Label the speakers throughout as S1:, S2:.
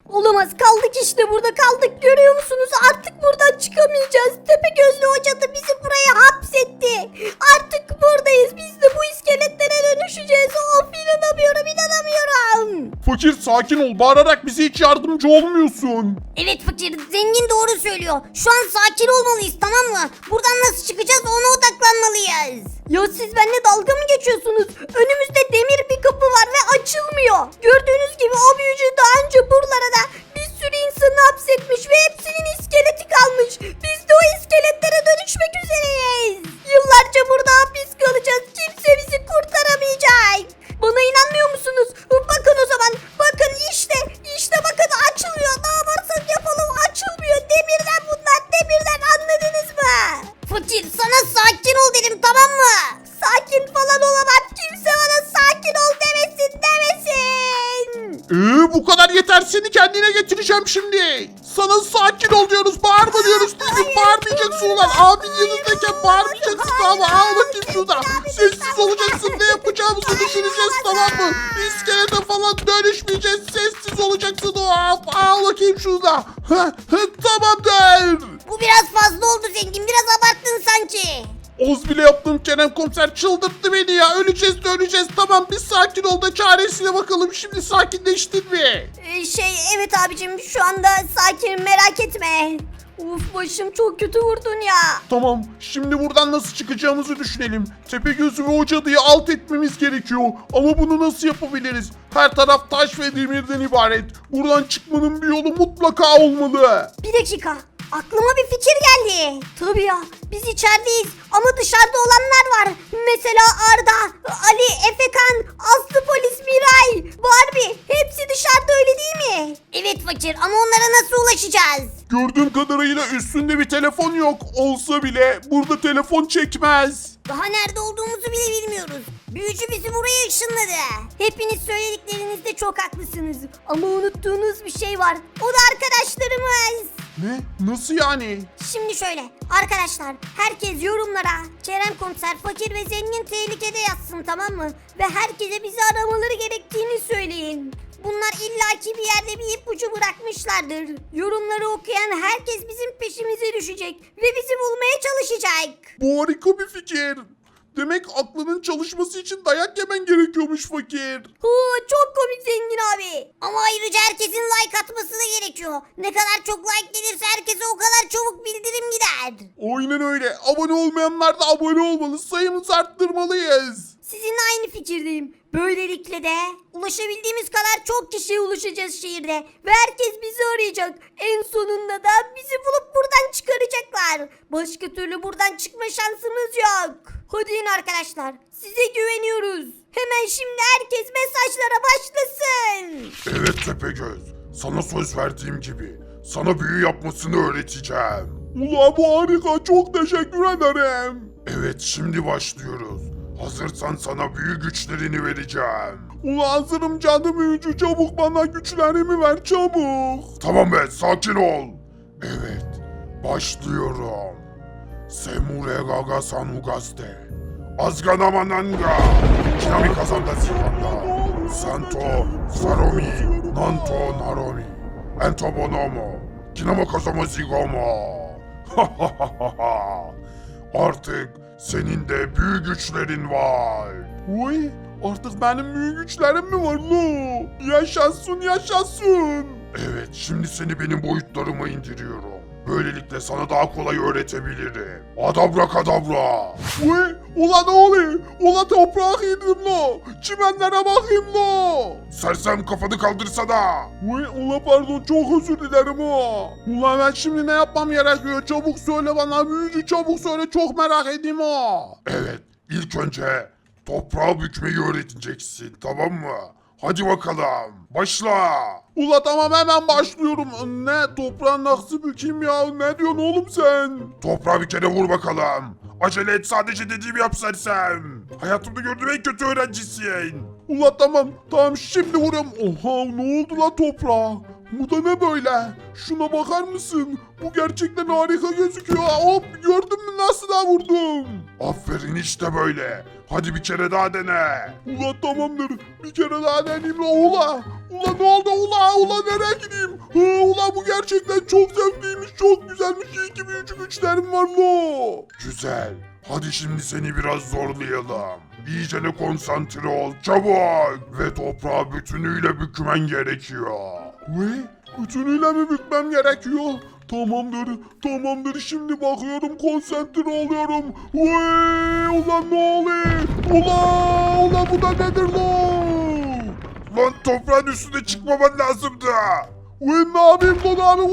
S1: Olamaz, kaldık işte, burada kaldık, görüyor musunuz? Artık buradan çıkamayacağız. Tepegözlü Hoca da bizi buraya hapsetti. Artık buradayız, biz de bu iskeletlere dönüşeceğiz. Of, inanamıyorum.
S2: Fakir sakin ol, bağırarak bize hiç yardımcı olmuyorsun.
S1: Evet fakir, zengin doğru söylüyor. Şu an sakin olmalıyız, tamam mı? Buradan nasıl çıkacağız, ona odaklanmalıyız. Ya siz benimle dalga mı geçiyorsunuz? Önümüzde demir bir kapı var ve açılmıyor. Gördüğünüz gibi o büyücü daha önce buralara da bir sürü insanı hapsetmiş ve hepsinin iskeleti kalmış. Biz de o iskeletlere dönüşmek üzereyiz. Yıllarca burada hapis kalacağız. Kimse bizi kurtaramayacak. Bana inanmıyor musunuz? Bakın o zaman. Bakın işte bakın, açılıyor. Ne yaparsak yapalım açılmıyor. Demirden bunlar, demirden, anladınız mı? Fakir, sana sakin ol dedim, tamam mı? Sakin falan olamam. Kimse bana sakin ol demesin.
S2: Bu kadar yeter, seni kendine getireceğim şimdi. Sana sakin ol diyoruz, bağırma diyoruz. Bağırmayacaksın ulan. Abin yanındayken bağırmayacaksın, tamam mı? Al bakayım şurada. Sessiz olacaksın, ne yapacağımızı düşüneceğiz, tamam mı? İskelete falan dönüşmeyeceğiz, sessiz olacaksın. Al bakayım şurada. Tamamdır.
S1: Bu biraz fazla oldu zengin. Biraz abarttın sanki.
S2: Oz bile yaptım, Kerem komiser çıldırttı beni ya. Öleceğiz de öleceğiz, tamam bir sakin ol da çaresine bakalım. Şimdi sakinleştin mi?
S1: Evet abicim, şu anda sakinim, merak etme. Uf, başım çok kötü vurdun ya.
S2: Tamam, şimdi buradan nasıl çıkacağımızı düşünelim. Tepegöz'ü ve o cadıyı alt etmemiz gerekiyor. Ama bunu nasıl yapabiliriz? Her taraf taş ve demirden ibaret. Buradan çıkmanın bir yolu mutlaka olmalı.
S1: Bir dakika. Aklıma bir fikir geldi. Tabii ya, biz içerideyiz ama dışarıda olanlar var. Mesela Arda, Ali, Efekan, Aslı Polis, Miray, Barbie. Hepsi dışarıda, öyle değil mi? Evet fakir, ama onlara nasıl ulaşacağız?
S2: Gördüğüm kadarıyla üstünde bir telefon yok. Olsa bile burada telefon çekmez.
S1: Daha nerede olduğumuzu bile bilmiyoruz. Büyücü bizi buraya ışınladı. Hepiniz söylediklerinizde çok haklısınız. Ama unuttuğunuz bir şey var. O da arkadaşlarımız.
S2: Ne? Nasıl yani?
S1: Şimdi şöyle arkadaşlar, herkes yorumlara Kerem Komiser, fakir ve zengin tehlikede yazsın, tamam mı? Ve herkese bizi aramaları gerektiğini söyleyin. Bunlar illaki bir yerde bir ipucu bırakmışlardır. Yorumları okuyan herkes bizim peşimize düşecek ve bizi bulmaya çalışacak.
S2: Bu harika bir fikir. Demek aklının çalışması için dayak yemen gerekiyormuş fakir.
S1: Çok komik zengin abi. Ama ayrıca herkesin like atması da gerekiyor. Ne kadar çok like gelirse herkese o kadar çabuk bildirim gider.
S2: Aynen öyle. Abone olmayanlar da abone olmalı. Sayımızı arttırmalıyız.
S1: Sizinle aynı fikirdeyim. Böylelikle de ulaşabildiğimiz kadar çok kişiye ulaşacağız şehirde. Ve herkes bizi arayacak. En sonunda da bizi bulup buradan çıkaracaklar. Başka türlü buradan çıkma şansımız yok. Hadi in arkadaşlar. Size güveniyoruz. Hemen şimdi herkes mesajlara başlasın.
S2: Evet Tepegöz. Sana söz verdiğim gibi. Sana büyü yapmasını öğreteceğim. Ula bu harika. Çok teşekkür ederim. Evet şimdi başlıyoruz. Hazırsan sana büyü güçlerini vereceğim. Ula hazırım canım büyücü. Çabuk bana güçlerimi ver çabuk. Tamam be sakin ol. Evet başlıyorum. Semure gaga sanugaste. Azganamananga. Kinami kazanda zikanda. Santo saromi. Nanto naromi. Ento bonomo. Kinama kazama zigomo. Artık senin de büyü güçlerin var. Uy, artık benim büyü güçlerim mi var lo? Yaşasın yaşasın. Evet, şimdi seni benim boyutlarıma indiriyorum. Böylelikle sana daha kolay öğretebilirim. Adabra kadabra. Uy, ula ne oluyor? Ula toprağa indim lo. Çimenlere bakayım lo. Sersem kafanı kaldırsana. Uy, ula pardon çok özür dilerim o. Ula ben şimdi ne yapmam gerekiyor? Çabuk söyle bana büyücü, çabuk söyle, çok merak edeyim o. Evet, ilk önce toprağı bükmeyi öğreteceksin, tamam mı? Hadi bakalım başla. Ula tamam hemen başlıyorum. Ne toprağı nasıl bükeyim ya? Ne diyorsun oğlum sen? Toprağı bir kere vur bakalım. Acele et, sadece dediğimi yap sersem. Hayatımda gördüğüm en kötü öğrencisin. Ula tamam şimdi vuruyorum. Oha ne oldu la toprağa? Bu da ne böyle? Şuna bakar mısın? Bu gerçekten harika gözüküyor. Hop gördün mü nasıl da vurdum? Aferin işte böyle. Hadi bir kere daha dene. Ula tamamdır. Bir kere daha deneyeyim la ula. Ula ne oldu ula? Ula nereye gideyim? gerçekten çok zevkliymiş, çok güzelmiş. İyi ki büyücü güçlerim var lo. Güzel. Hadi şimdi seni biraz zorlayalım. İyicene konsantre ol çabuk. Ve toprağı bütünüyle bükmen gerekiyor. Ve bütünüyle mi bükmem gerekiyor? Tamamdır. Şimdi bakıyorum, konsantre oluyorum. Vay, ulan ne oluyor? Ulan bu da nedir lan? Lan toprağın üstüne çıkmaman lazımdı. Vay, ne yapayım lan abi?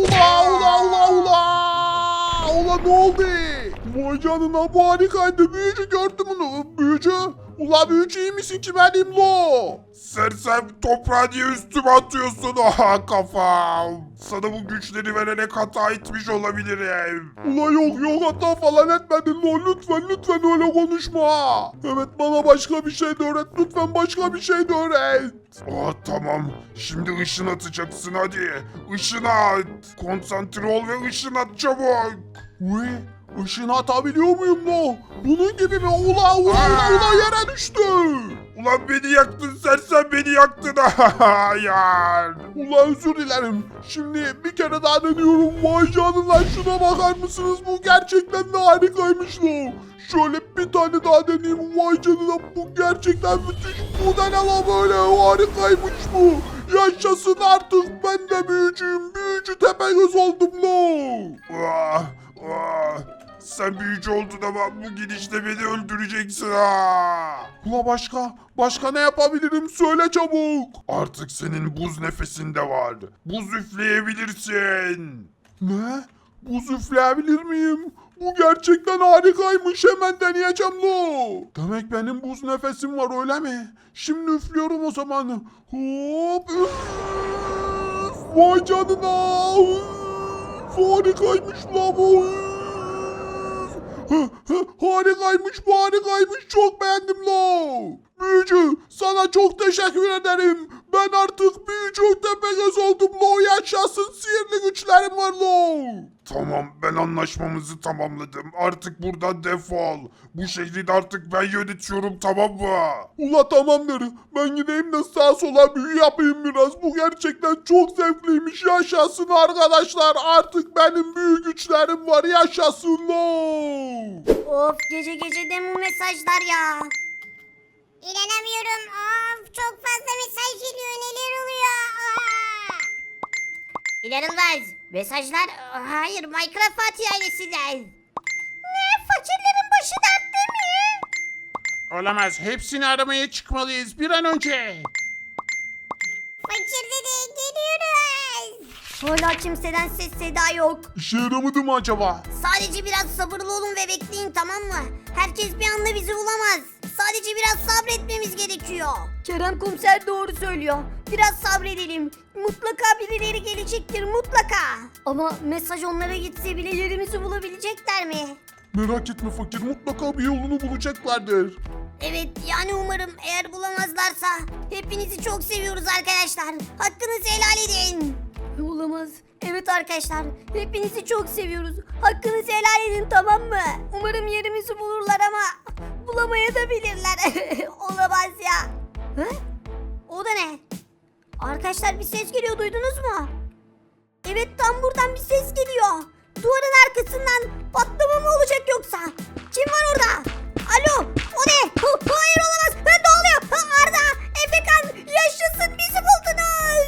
S2: Ulan ne oldu? Vay canına, bu harikaydı. Büyücü gördüm onu. Büyücü. Ula büyücü, iyi misin ki benim lo? Sersem, toprağı niye üstüme atıyorsun? Aha kafam. Sana bu güçleri vererek hata etmiş olabilirim. Ula yok hata falan etmedin lo. Lütfen öyle konuşma. Evet, bana başka bir şey de öğret. Lütfen başka bir şey de öğret. Tamam. Şimdi ışın atacaksın hadi. Işın at. Konsantre ol ve ışın at çabuk. Işını atabiliyor muyum lo? Bunun gibi mi? Ula yere düştü. Ulan beni yaktın sersem, beni yaktın. Hayır. Ulan özür dilerim. Şimdi bir kere daha deniyorum. Vay canına, şuna bakar mısınız? Bu gerçekten de harikaymış lo. Şöyle bir tane daha deneyeyim. Vay canına, bu gerçekten müthiş. Bu da ne la böyle? Harikaymış bu. Yaşasın, artık ben de büyücüyüm. Büyücü Tepegöz oldum lo. Sen büyücü oldun ama bu gidişle beni öldüreceksin ha. Ula başka ne yapabilirim, söyle çabuk. Artık senin buz nefesinde var. Buz üfleyebilirsin. Ne? Buz üfleyebilir miyim? Bu gerçekten harikaymış, hemen deneyeceğim lo. Demek benim buz nefesim var, öyle mi? Şimdi üflüyorum o zaman. Hop. Üf. Vay canına. Üf. Harikaymış la bu. Harikaymış, çok beğendim la. Büyücü, sana çok teşekkür ederim. Ben artık büyücü Tepegöz oldum lo. Yaşasın, sihirli güçlerim var lo. Tamam, ben anlaşmamızı tamamladım. Artık buradan defol. Bu şehri de artık ben yönetiyorum, tamam mı? Ula tamamdır. Ben gideyim de sağa sola büyü yapayım biraz. Bu gerçekten çok zevkliymiş. Yaşasın arkadaşlar. Artık benim büyü güçlerim var. Yaşasın lo.
S1: Of, gece de bu mesajlar ya.
S3: İnanamıyorum. Of, çok fazla mesaj geliyor. Neler oluyor?
S1: İnanılmaz. Mesajlar, hayır, Minecraft Fatih ailesinden.
S3: Ne? Fakirlerin başı dertte mi?
S4: Olamaz. Hepsini aramaya çıkmalıyız bir an önce.
S3: Fakir dede, geliyoruz.
S1: Hala kimseden ses seda yok.
S2: İşe yaramadı mı acaba?
S1: Sadece biraz sabırlı olun ve bekleyin, tamam mı? Herkes bir anda bizi bulamaz. Sadece biraz sabretmemiz gerekiyor. Kerem komiser doğru söylüyor. Biraz sabredelim. Mutlaka birileri gelecektir, mutlaka. Ama mesaj onlara gitse bile yerimizi bulabilecekler mi?
S2: Merak etme fakir, mutlaka bir yolunu bulacaklardır.
S1: Evet, yani umarım, eğer bulamazlarsa. Hepinizi çok seviyoruz arkadaşlar. Hakkınızı helal edin. Olamaz. Evet arkadaşlar, hepinizi çok seviyoruz. Hakkınızı helal edin, tamam mı? Umarım yerimizi bulurlar ama bulamaya da bilirler. Olamaz ya. Hı? O da ne? Arkadaşlar, bir ses geliyor, duydunuz mu? Evet, tam buradan bir ses geliyor. Duvarın arkasından patlama mı olacak yoksa? Kim var orada? Alo, o ne? Hayır, olamaz. Ne oluyor? Arda, Efekan, yaşasın, bizi buldunuz.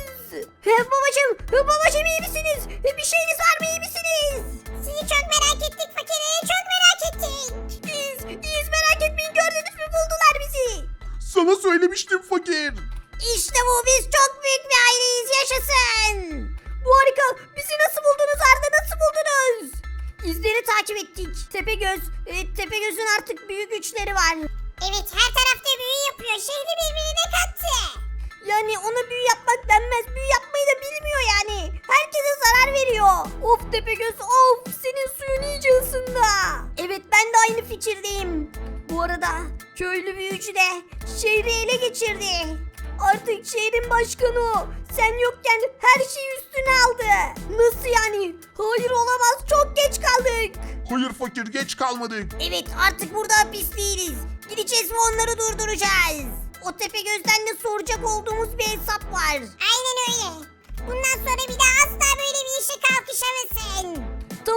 S1: Babacım iyi misiniz? Bir şeyiniz var mı, iyi misiniz?
S3: Sizi çok merak ettik fakir. Çok merak ettik.
S1: İyiyiz, merak etmeyin, gördünüz mü, buldular bizi.
S2: Sana söylemiştim fakir.
S1: İşte bu, biz çok büyük bir aileyiz, yaşasın. Bu harika, bizi nasıl buldunuz Arda, nasıl buldunuz? İzleri takip ettik. Tepegöz'ün artık büyük güçleri var.
S3: Evet, her tarafta büyü yapıyor. Şehri birbirine kattı.
S1: Yani ona büyü yapmak denmez. Büyü yapmayı da bilmiyor yani. Herkese zarar veriyor. Of Tepegöz, of, senin suyun iyice ısındı. Evet, ben de aynı fikirdeyim. Bu arada köylü büyücü de şehri ele geçirdi. Artık şehrin başkanı o. Sen yokken her şeyi üstüne aldı. Nasıl yani? Hayır, olamaz, çok geç kaldık.
S2: Hayır fakir, geç kalmadık.
S1: Evet, artık burada hapis değiliz. Gideceğiz ve onları durduracağız. O Tepegöz'den de soracak olduğumuz bir hesap var.
S3: Aynen öyle. Bundan sonra bir daha asla böyle bir işe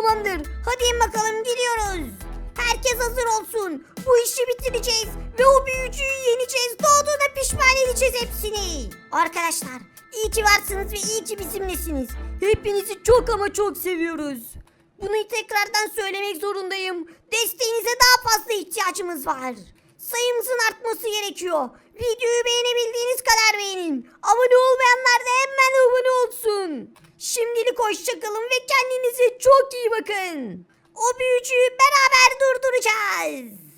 S1: Tamamdır. Hadi in bakalım gidiyoruz. Herkes hazır olsun. Bu işi bitireceğiz ve o büyücüyü yeneceğiz. Doğduğuna pişman edeceğiz hepsini. Arkadaşlar iyi ki varsınız ve iyi ki bizimlesiniz. Hepinizi çok ama çok seviyoruz. Bunu tekrardan söylemek zorundayım. Desteğinize daha fazla ihtiyacımız var. Sayımızın artması gerekiyor. Videoyu beğenebildiğiniz kadar beğenin. Abone olmayanlar da hemen abone olsun. Şimdilik hoşçakalın ve kendinize çok iyi bakın. O büyücüyü beraber durduracağız.